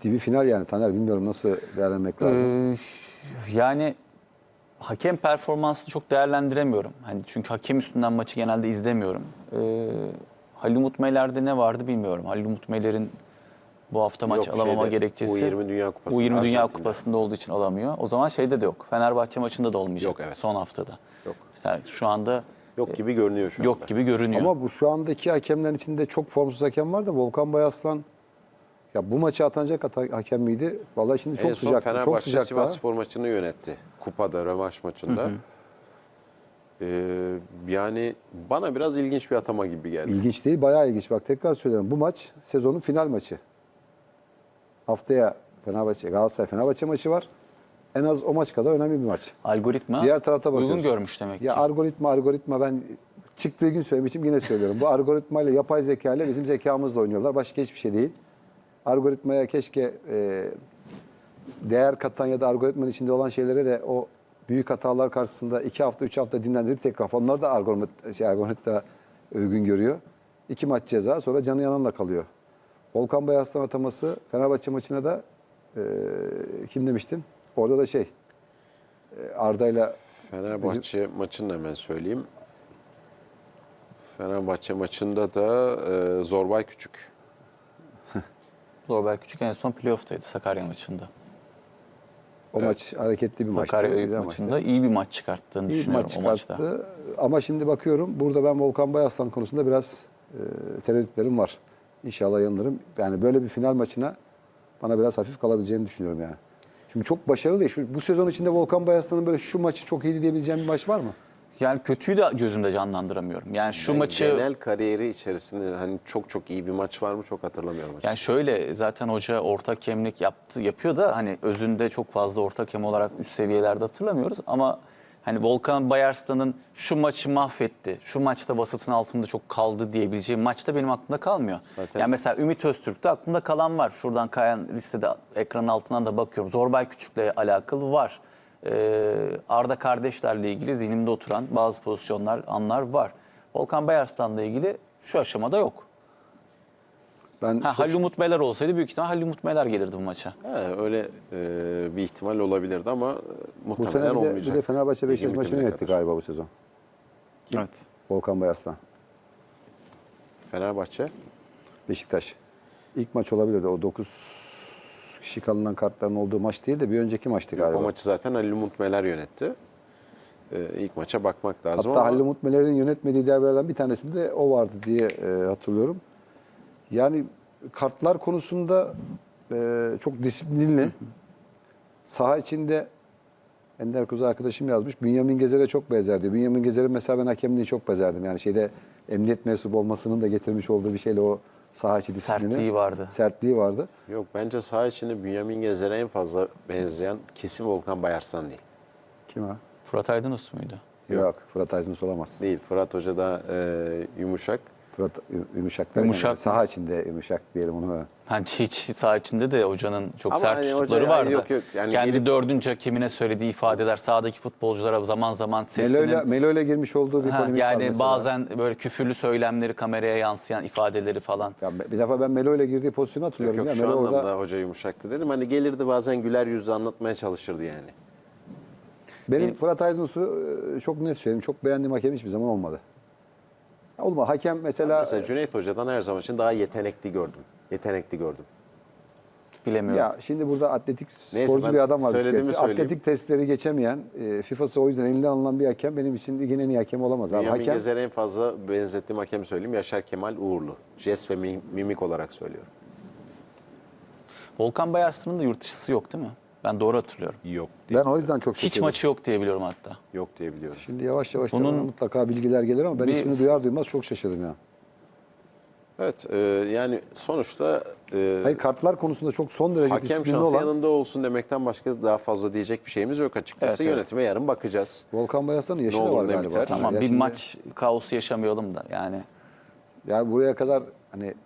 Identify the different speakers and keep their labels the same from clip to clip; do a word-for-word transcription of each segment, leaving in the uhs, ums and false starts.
Speaker 1: ciddi bir final yani Taner. Bilmiyorum nasıl değerlendirmek lazım.
Speaker 2: Ee, yani hakem performansını çok değerlendiremiyorum. Hani çünkü hakem üstünden maçı genelde izlemiyorum. Ee, Halil Umut Meler'de ne vardı bilmiyorum. Halil Umut Meler'in bu hafta maç
Speaker 3: Yok,
Speaker 2: alamama
Speaker 3: şeyde,
Speaker 2: gerekçesi
Speaker 3: U yirmi Dünya Kupası.
Speaker 2: U yirmi Dünya
Speaker 3: Arjantin'de.
Speaker 2: Kupası'nda olduğu için alamıyor. O zaman şeyde de yok. Fenerbahçe maçında da olmayacak.
Speaker 3: Yok, evet.
Speaker 2: Son haftada.
Speaker 3: Yok.
Speaker 2: Mesela şu anda
Speaker 3: Yok gibi görünüyor şu anda.
Speaker 2: yok gibi görünüyor.
Speaker 1: Ama bu şu andaki hakemlerin içinde çok formsuz hakem var da Volkan Bayaslan ya bu maçı atanacak hata- hakem miydi? Vallahi şimdi çok
Speaker 3: en son
Speaker 1: sıcak. Çok
Speaker 3: Fenerbahçe
Speaker 1: sıcak
Speaker 3: Sivas
Speaker 1: daha.
Speaker 3: Spor maçını yönetti. Kupada, rövanş maçında. Ee, yani bana biraz ilginç bir atama gibi geldi.
Speaker 1: İlginç değil, bayağı ilginç. Bak tekrar söylüyorum. Bu maç sezonun final maçı. Haftaya Fenerbahçe, Galatasaray Fenerbahçe maçı var. En az o maç kadar önemli bir maç.
Speaker 2: Algoritma
Speaker 1: Diğer tarafta
Speaker 2: uygun
Speaker 1: bakıyoruz.
Speaker 2: görmüş demek ki.
Speaker 1: Ya algoritma, algoritma ben çıktığı gün söylemişim yine söylüyorum. Bu algoritma ile yapay zeka ile bizim zekamızla oynuyorlar. Başka hiçbir şey değil. Algoritmaya keşke e, değer katan ya da algoritmanın içinde olan şeylere de o büyük hatalar karşısında iki hafta, üç hafta dinlendirip tekrar. Onlar da algoritma, şey, algoritma uygun görüyor. İki maç ceza sonra canı yananla kalıyor. Volkan Bayaslan ataması Fenerbahçe maçına da e, kim demiştin? Orada da şey e, Arda'yla
Speaker 3: Fenerbahçe maçını da hemen söyleyeyim. Fenerbahçe maçında da e, Zorbay Küçük.
Speaker 2: Zorbay Küçük en son playoff'taydı Sakarya maçında.
Speaker 1: o maç hareketli bir maçtı.
Speaker 2: Sakarya Öğüt
Speaker 1: güzel
Speaker 2: maçında
Speaker 1: maçtı.
Speaker 2: iyi bir maç çıkarttığını
Speaker 1: İyi bir
Speaker 2: düşünüyorum
Speaker 1: maç
Speaker 2: o maçta.
Speaker 1: çıkarttı. Ama şimdi bakıyorum burada ben Volkan Bayaslan konusunda biraz e, tereddütlerim var. İnşallah yanılırım. Yani böyle bir final maçına bana biraz hafif kalabileceğini düşünüyorum yani. Şimdi çok başarılı değil. Şu, bu sezon içinde Volkan Bayaslan'ın böyle şu maçı çok iyiydi diyebileceğim bir maç var mı?
Speaker 2: Yani kötüyü de gözümde canlandıramıyorum. Yani şu
Speaker 3: Ben
Speaker 2: maçı
Speaker 3: genel kariyeri içerisinde hani çok çok iyi bir maç var mı çok hatırlamıyorum.
Speaker 2: yani şöyle zaten hoca orta hakemlik yaptı yapıyor da hani özünde çok fazla orta hakem olarak üst seviyelerde hatırlamıyoruz ama hani Volkan Bayarslan'ın şu maçı mahvetti, şu maçta basıtın altında çok kaldı diyebileceğim maçta benim aklımda kalmıyor.
Speaker 3: Zaten-
Speaker 2: Yani mesela Ümit Öztürk'te aklımda kalan var. Şuradan kayan listede ekranın altından da bakıyorum. Zorbay Küçük'le alakalı var. Ee, Arda kardeşlerle ilgili zihnimde oturan bazı pozisyonlar, anlar var. Volkan Bayarslan'la ilgili şu aşamada yok.
Speaker 1: Ben
Speaker 2: Ha,
Speaker 1: çok-
Speaker 2: Halil Umut Meler olsaydı büyük ihtimal Halil Umut Meler gelirdi bu maça.
Speaker 3: He, öyle e, bir ihtimal olabilirdi ama e,
Speaker 1: bu
Speaker 3: muhtemelen
Speaker 1: sene bir de,
Speaker 3: olmayacak.
Speaker 1: bir de Fenerbahçe Beşiktaş
Speaker 3: Ligin
Speaker 1: maçını
Speaker 3: bitimine
Speaker 1: yönetti
Speaker 3: kadar.
Speaker 1: galiba bu sezon.
Speaker 2: Evet.
Speaker 1: Volkan Bayaslan.
Speaker 3: Fenerbahçe.
Speaker 1: Beşiktaş. İlk maç olabilirdi. O dokuz kişi kalınan kartların olduğu maç değil de bir önceki maçtı galiba.
Speaker 3: O maçı zaten Halil Umut Meler yönetti. E, ilk maça bakmak lazım
Speaker 1: Hatta
Speaker 3: ama
Speaker 1: Halil Umut Meler'in yönetmediği derbilerden bir tanesinde o vardı diye e, hatırlıyorum. Yani kartlar konusunda e, çok disiplinli. Saha içinde Ender Kuzu arkadaşım yazmış. Bünyamin Gezer'e çok benzerdi. Bünyamin Gezer'in mesela ben hakemliği çok bezerdim. Yani şeyde emniyet mensubu olmasının da getirmiş olduğu bir şeyle o saha içi disiplini.
Speaker 2: Sertliği vardı.
Speaker 1: Sertliği vardı.
Speaker 3: yok bence saha içinde Bünyamin Gezer'e en fazla benzeyen kesin Volkan Bayarslan değil.
Speaker 1: Kim ha?
Speaker 2: Fırat Aydınus muydu?
Speaker 1: Yok. Fırat Aydınus olamaz.
Speaker 3: Değil. Fırat Hoca da e, yumuşak.
Speaker 1: Fırat ü- yumuşak. derken
Speaker 2: Yumuşak mı?
Speaker 1: saha içinde yumuşak diyelim onu.
Speaker 2: Hani hiç saha içinde de hocanın çok
Speaker 3: Ama
Speaker 2: sert
Speaker 3: hani
Speaker 2: üslupları
Speaker 3: hoca-
Speaker 2: vardı.
Speaker 3: yok, yok. Yani
Speaker 2: Kendi
Speaker 3: gelip-
Speaker 2: dördüncü hakemine söylediği ifadeler sahadaki futbolculara zaman zaman sesinin...
Speaker 1: Melo'yla Melo'yla girmiş olduğu bir
Speaker 2: Ha,
Speaker 1: polemik var
Speaker 2: yani
Speaker 1: mesela.
Speaker 2: bazen böyle küfürlü söylemleri kameraya yansıyan ifadeleri falan.
Speaker 1: Ya bir defa ben Melo'yla girdiği pozisyonu
Speaker 3: Yok
Speaker 1: hatırlıyorum.
Speaker 3: yok
Speaker 1: ya.
Speaker 3: şu
Speaker 1: Melo
Speaker 3: anlamda
Speaker 1: orada
Speaker 3: hoca yumuşaktı dedim. Hani gelirdi bazen güler yüzle anlatmaya çalışırdı yani.
Speaker 1: benim,
Speaker 2: Benim-
Speaker 1: Fırat Aydınus'u e, çok net söyleyeyim. Çok beğendiğim hakem hiçbir zaman olmadı. Olma hakem mesela,
Speaker 3: Mesela Cüneyt Hoca'dan her zaman için daha yetenekli gördüm. Yetenekli gördüm.
Speaker 2: Bilemiyorum.
Speaker 1: ya şimdi burada atletik
Speaker 3: Neyse,
Speaker 1: sporcu
Speaker 3: ben
Speaker 1: bir adam var.
Speaker 3: söylediğimi
Speaker 1: bisikletli.
Speaker 3: söyleyeyim.
Speaker 1: Atletik testleri geçemeyen, e, FIFA'sı o yüzden elinden alınan bir hakem benim için ligin en iyi hakemi olamaz. Abi.
Speaker 3: Bünyamin
Speaker 1: Hakem,
Speaker 3: Gezer'e en fazla benzettiğim hakemi söyleyeyim. Yaşar Kemal Uğurlu. Jest ve mi- mimik olarak söylüyorum.
Speaker 2: Volkan Bayarslan'ın da yurt dışısı yok değil mi? Ben doğru hatırlıyorum.
Speaker 3: Yok.
Speaker 1: ben o yüzden çok
Speaker 2: Hiç
Speaker 1: şaşırdım.
Speaker 2: maçı yok diye biliyorum hatta.
Speaker 3: Yok diye biliyorum.
Speaker 1: Şimdi yavaş yavaş
Speaker 2: Bunun-
Speaker 1: tabii mutlaka bilgiler gelir ama ben
Speaker 2: Bir-
Speaker 1: ismini duyar duymaz çok şaşırdım ya.
Speaker 3: Evet e, yani sonuçta e,
Speaker 1: Hayır kartlar konusunda çok son derece
Speaker 3: hakem
Speaker 1: disiplinli
Speaker 3: şansı
Speaker 1: olan
Speaker 3: yanında olsun demekten başka daha fazla diyecek bir şeyimiz yok açıkçası.
Speaker 2: Evet, evet.
Speaker 3: Yönetime yarın bakacağız.
Speaker 1: Volkan Bayaslan'ın yaşı
Speaker 3: Ne
Speaker 1: da
Speaker 3: olur
Speaker 1: var
Speaker 3: ne
Speaker 1: galiba.
Speaker 3: biter.
Speaker 2: Tamam
Speaker 1: Ya
Speaker 2: bir
Speaker 1: şimdi-
Speaker 2: maç kaosu yaşamayalım da yani.
Speaker 1: Ya buraya kadar hani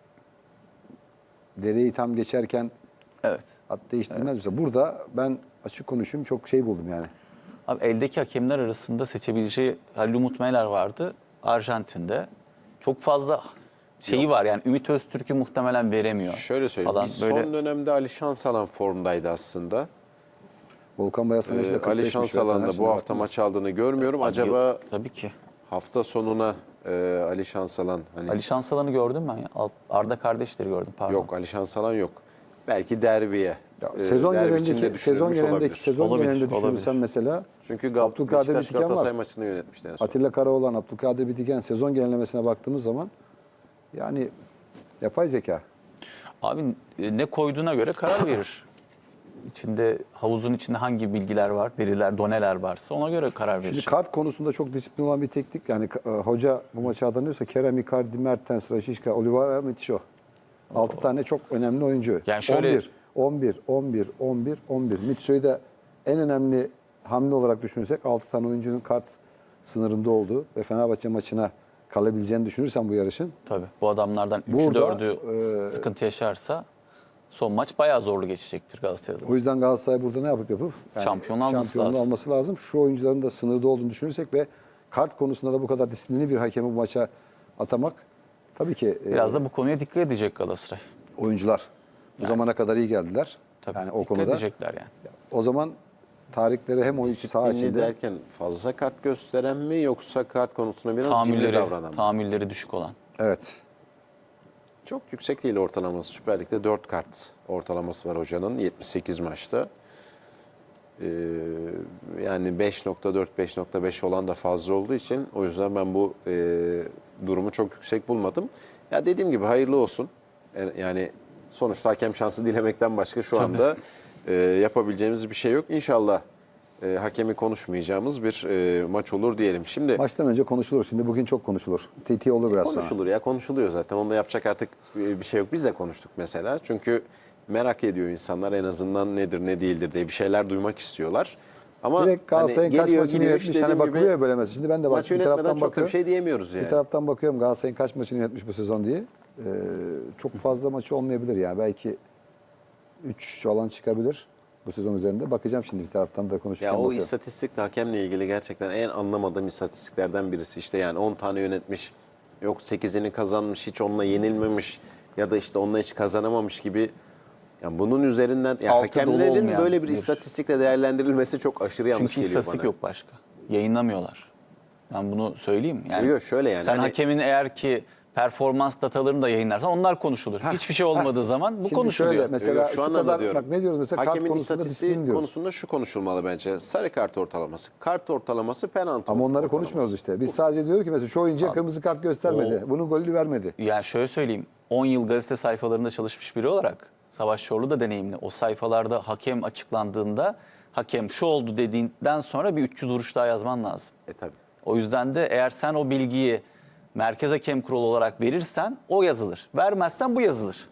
Speaker 1: dereyi tam geçerken
Speaker 2: Evet.
Speaker 1: at değiştirmez. Evet. Burada ben açık konuşayım çok şey buldum yani.
Speaker 2: Abi eldeki hakemler arasında seçebileceği Halil Umut Meler vardı Arjantin'de. Çok fazla şeyi var yani Ümit Öztürk'ü muhtemelen veremiyor.
Speaker 3: Şöyle söyleyeyim.
Speaker 2: Falan.
Speaker 3: Biz
Speaker 2: Böyle
Speaker 3: son dönemde Ali Şansalan formdaydı aslında.
Speaker 1: Volkan Bayasan'ın
Speaker 3: Ee, Ali Şansalan da bu hafta maç aldığını görmüyorum. Acaba
Speaker 2: tabii ki.
Speaker 3: hafta sonuna e, Ali Şansalan hani
Speaker 2: Ali Şansalan'ı gördüm ben ya. Alt- Arda kardeşleri gördüm pardon.
Speaker 3: yok Ali Şansalan yok. Belki derbiye.
Speaker 1: Ya,
Speaker 3: e,
Speaker 1: sezon
Speaker 3: derbi
Speaker 1: genelindeki
Speaker 3: içinde
Speaker 1: sezon
Speaker 3: düşünülmüş
Speaker 1: genelindeki
Speaker 3: olabilir.
Speaker 1: sezon
Speaker 2: Olabilir,
Speaker 1: genelinde düşünürsen
Speaker 2: olabilir.
Speaker 1: mesela
Speaker 3: Çünkü Gal
Speaker 1: Abdülkadir
Speaker 3: Beşiktaş
Speaker 1: Bitiken
Speaker 3: Galatasaray
Speaker 1: var.
Speaker 3: maçını yönetmişti en son.
Speaker 1: Atilla Karaoğlan, Abdülkadir Bitiken sezon genellemesine baktığımız zaman yani yapay zeka.
Speaker 2: Abi e, ne koyduğuna göre karar verir. İçinde havuzun içinde hangi bilgiler var, veriler, doneler varsa ona göre karar verir.
Speaker 1: Şimdi kart konusunda çok disiplin olan bir teknik. Yani e, hoca bu maçı adanıyorsa Kerem, Icardi, Mertens, Rashica, Oliveira, Mitcho. altı tane çok önemli oyuncu.
Speaker 2: Yani şöyle-
Speaker 1: on bir, on bir, on bir, on bir, on bir. Mitcho'yu da en önemli hamle olarak düşünürsek altı tane oyuncunun kart sınırında olduğu ve Fenerbahçe maçına kalabileceğini düşünürsen bu yarışın.
Speaker 2: Tabii bu adamlardan üçü
Speaker 1: Burada,
Speaker 2: dördü
Speaker 1: e,
Speaker 2: sıkıntı yaşarsa son maç bayağı zorlu geçecektir Galatasaray'da.
Speaker 1: O yüzden Galatasaray burada ne yapıp yapıp yani
Speaker 2: Şampiyon alması
Speaker 1: şampiyonluğu
Speaker 2: lazım.
Speaker 1: alması lazım. Şu oyuncuların da sınırda olduğunu düşünürsek ve kart konusunda da bu kadar disiplinli bir hakemi bu maça atamak tabii ki e,
Speaker 2: Biraz da bu konuya dikkat edecek Galatasaray.
Speaker 1: oyuncular bu zamana kadar iyi geldiler.
Speaker 2: Tabii
Speaker 1: yani o
Speaker 2: dikkat
Speaker 1: konuda.
Speaker 2: edecekler yani.
Speaker 1: O zaman tarihleri hem oyuncu saha
Speaker 3: Disiplinli
Speaker 1: içinde
Speaker 3: derken fazla kart gösteren mi yoksa kart konusunda biraz cimri
Speaker 2: Tahammülleri,
Speaker 3: davranan mı?
Speaker 2: tahammülleri düşük olan.
Speaker 1: evet.
Speaker 3: Çok yüksek değil ortalaması. Süper Lig'de dört kart ortalaması var hocanın yetmiş sekiz maçta. Ee, yani beş nokta dört beş nokta beş olan da fazla olduğu için o yüzden ben bu e, durumu çok yüksek bulmadım. Ya dediğim gibi hayırlı olsun. E, Yani sonuçta hakem şansı dilemekten başka şu anda e, yapabileceğimiz bir şey yok. İnşallah e, hakemi konuşmayacağımız bir e, maç olur diyelim. Şimdi
Speaker 1: Maçtan önce konuşulur. Şimdi bugün çok konuşulur. T T olur biraz sonra.
Speaker 3: konuşulur ya konuşuluyor zaten. Onda yapacak artık bir şey yok. Biz de konuştuk mesela. Çünkü merak ediyor insanlar en azından nedir ne değildir diye bir şeyler duymak istiyorlar. Ama
Speaker 1: Direkt Galatasaray'ın
Speaker 3: hani
Speaker 1: kaç
Speaker 3: geliyor,
Speaker 1: maçını
Speaker 3: gidiyor,
Speaker 1: yönetmiş
Speaker 3: işte
Speaker 1: hani
Speaker 3: dediğim
Speaker 1: bakılıyor
Speaker 3: gibi
Speaker 1: ya böyle mesela. Şimdi ben de bak
Speaker 3: maç
Speaker 1: bir
Speaker 3: yönetmeden
Speaker 1: taraftan
Speaker 3: çok da bir
Speaker 1: bakıyorum.
Speaker 3: şey diyemiyoruz yani.
Speaker 1: Bir taraftan bakıyorum Galatasaray'ın kaç maçını yönetmiş bu sezon diye. Ee, çok fazla maçı olmayabilir yani. Belki üç falan çıkabilir bu sezon üzerinde. Bakacağım şimdi bir taraftan da konuşurken
Speaker 3: Ya o
Speaker 1: bakıyorum.
Speaker 3: istatistikle hakemle ilgili gerçekten en anlamadığım istatistiklerden birisi. İşte yani on tane yönetmiş, yok sekizini kazanmış, hiç onunla yenilmemiş ya da işte onunla hiç kazanamamış gibi. Yani bunun üzerinden ya
Speaker 2: Altı dolu
Speaker 3: hakemlerin
Speaker 2: olmayan
Speaker 3: böyle bir
Speaker 2: bir-
Speaker 3: istatistikle değerlendirilmesi çok aşırı yanlış
Speaker 2: Çünkü
Speaker 3: geliyor
Speaker 2: istatistik
Speaker 3: bana.
Speaker 2: yok başka. Yayınlamıyorlar. Ben bunu söyleyeyim. Yani
Speaker 3: Yok, şöyle yani,
Speaker 2: Sen
Speaker 3: hani-
Speaker 2: hakemin eğer ki performans datalarını da yayınlarsan onlar konuşulur. Hiçbir şey olmadığı zaman bu
Speaker 1: Şimdi
Speaker 2: konuşuluyor.
Speaker 1: şöyle mesela
Speaker 3: Yok,
Speaker 1: şu,
Speaker 3: şu anlamda
Speaker 1: kadar
Speaker 3: diyorum.
Speaker 1: bak ne diyoruz mesela kart
Speaker 3: Hakemin
Speaker 1: konusunda
Speaker 3: istatistiği
Speaker 1: disiplin diyoruz.
Speaker 3: konusunda şu konuşulmalı bence. Sarı kart ortalaması. Kart ortalaması penaltı
Speaker 1: Ama onları
Speaker 3: ortalaması.
Speaker 1: konuşmuyoruz işte. Biz sadece diyoruz ki mesela şu oyuncuya kırmızı kart göstermedi. Bunun golünü vermedi.
Speaker 2: Yani şöyle söyleyeyim. on yıl gazete sayfalarında çalışmış biri olarak Savaş Çorlu da deneyimli. O sayfalarda hakem açıklandığında hakem şu oldu dediğinden sonra bir üç yüz vuruş daha yazman lazım.
Speaker 3: E tabii.
Speaker 2: O yüzden de eğer sen o bilgiyi Merkez Hakem Kurulu olarak verirsen o yazılır. Vermezsen bu yazılır.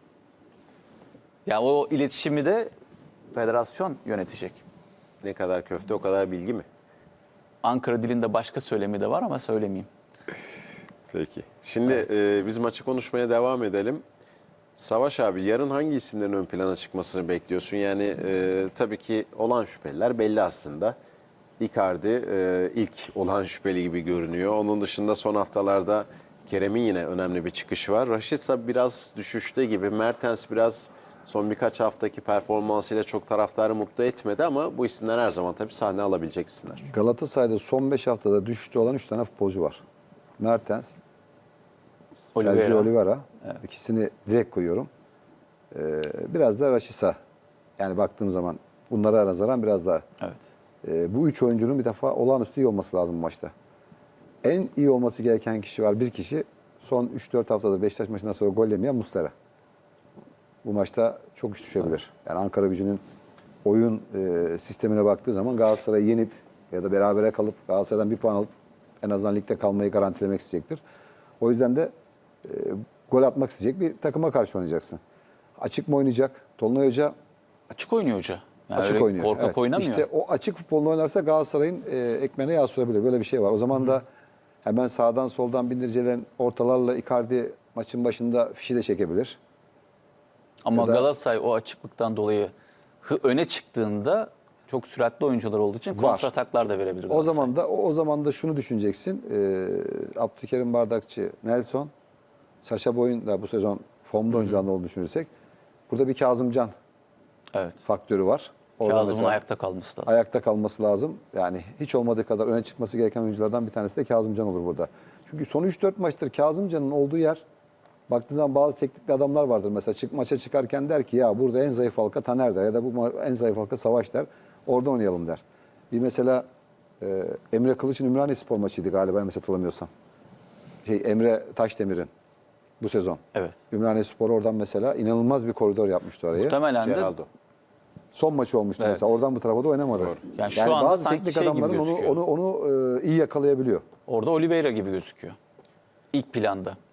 Speaker 2: Yani o iletişimi de federasyon yönetecek.
Speaker 3: Ne kadar köfte o kadar bilgi mi?
Speaker 2: Ankara dilinde başka söylemi de var ama söylemeyeyim.
Speaker 3: Peki. Şimdi e, biz maçı konuşmaya devam edelim. Savaş abi yarın hangi isimlerin ön plana çıkmasını bekliyorsun? Yani e, tabii ki olan şüpheliler belli aslında. Icardi e, ilk olan şüpheli gibi görünüyor. Onun dışında son haftalarda Kerem'in yine önemli bir çıkışı var. Rashica biraz düşüşte gibi. Mertens biraz son birkaç haftaki performansıyla çok taraftarı mutlu etmedi ama bu isimler her zaman tabii sahne alabilecek isimler.
Speaker 1: Galatasaray'da son beş haftada düşüşte olan üç tane futbolcu var. Mertens,
Speaker 2: Oliveira.
Speaker 1: Sergio Oliveira. İkisini direkt koyuyorum. Ee, biraz da Rashica. Yani baktığım zaman bunlara nazaran biraz daha.
Speaker 2: Evet.
Speaker 1: Ee, bu üç oyuncunun bir defa olağanüstü iyi olması lazım bu maçta. En iyi olması gereken kişi var. Bir kişi son üç dört haftada Beşiktaş maçından sonra gol yemeyen Muslera. Bu maçta çok iş düşebilir. Yani Ankara Gücü'nün oyun e, sistemine baktığı zaman Galatasaray'ı yenip ya da berabere kalıp Galatasaray'dan bir puan alıp en azından ligde kalmayı garantilemek isteyecektir. O yüzden de e, gol atmak isteyecek bir takıma karşı oynayacaksın. Açık mı oynayacak? Tolunay Hoca
Speaker 2: Açık oynuyor hoca. Yani
Speaker 1: açık
Speaker 2: öyle
Speaker 1: oynuyor.
Speaker 2: korkak
Speaker 1: Evet.
Speaker 2: oynamıyor.
Speaker 1: İşte o açık futbolunu oynarsa Galatasaray'ın e, ekmeğine yağ sürebilir. Böyle bir şey var. O zaman da hemen sağdan soldan bindircelen ortalarla Icardi maçın başında fişi de çekebilir.
Speaker 2: Ama
Speaker 1: ya da-
Speaker 2: Galatasaray o açıklıktan dolayı hı- öne çıktığında çok süratli oyuncular olduğu için
Speaker 1: Var.
Speaker 2: kontrataklar da verebilir
Speaker 1: O
Speaker 2: Galatasaray.
Speaker 1: zaman da o, o zaman da şunu düşüneceksin. E, Abdülkerim Bardakçı, Nelson, Saşa Boy'un da bu sezon formda oyuncularında olduğunu düşünürsek burada bir Kazımcan
Speaker 2: Evet.
Speaker 1: faktörü var. Orada
Speaker 2: Kazım'ın
Speaker 1: mesela
Speaker 2: ayakta kalması lazım.
Speaker 1: ayakta kalması lazım. Yani hiç olmadığı kadar öne çıkması gereken oyunculardan bir tanesi de Kazımcan olur burada. Çünkü son üç dört maçtır Kazımcan'ın olduğu yer, baktığın zaman bazı teknikli adamlar vardır. Mesela çık, maça çıkarken der ki ya burada en zayıf halka Taner der ya da bu ma- en zayıf halka Savaş der. Orada oynayalım der. Bir mesela e, Emre Kılıç'ın Ümraniye Spor maçıydı galiba yanlış hatırlamıyorsam. Şey, Emre Taşdemir'in bu sezon.
Speaker 2: Evet.
Speaker 1: Ümraniye Spor oradan mesela inanılmaz bir koridor yapmıştı orayı.
Speaker 2: Muhtemelen de
Speaker 3: Geraldo.
Speaker 1: Son maçı olmuştu
Speaker 2: Evet.
Speaker 1: mesela. Oradan bu tarafa da oynamadı.
Speaker 3: Doğru.
Speaker 2: Yani şu anda
Speaker 1: bazı
Speaker 2: sanki
Speaker 1: teknik
Speaker 2: şey gibi
Speaker 1: adamların onu
Speaker 2: gözüküyor.
Speaker 1: onu onu e, iyi yakalayabiliyor.
Speaker 2: orada Oliveira gibi gözüküyor. İlk planda.